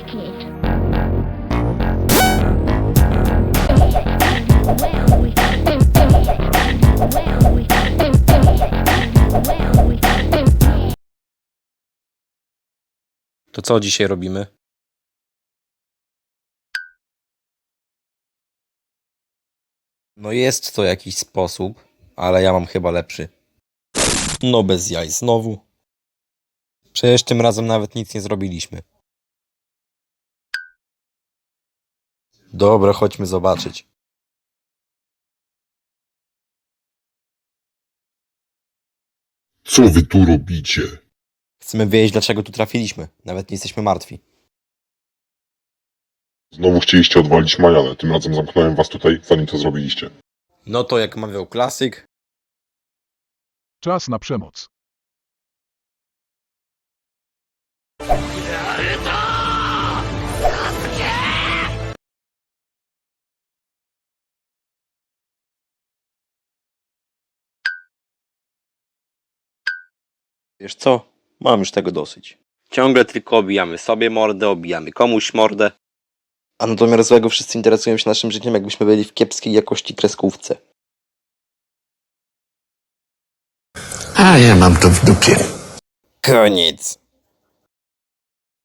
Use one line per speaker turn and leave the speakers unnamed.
To co dzisiaj robimy? No jest to jakiś sposób, ale ja mam chyba lepszy. No bez jaj znowu. Przecież tym razem nawet nic nie zrobiliśmy. Dobra, chodźmy zobaczyć.
Co wy tu robicie?
Chcemy wiedzieć, dlaczego tu trafiliśmy. Nawet nie jesteśmy martwi.
Znowu chcieliście odwalić Majanę, tym razem zamknąłem was tutaj, zanim to zrobiliście.
No to jak mawiał klasyk,
Czas na przemoc.
wiesz co? Mam już tego dosyć. Ciągle tylko obijamy sobie mordę, obijamy komuś mordę. A na domiar złego wszyscy interesują się naszym życiem, jakbyśmy byli w kiepskiej jakości kreskówce.
A ja mam to w dupie.
Koniec.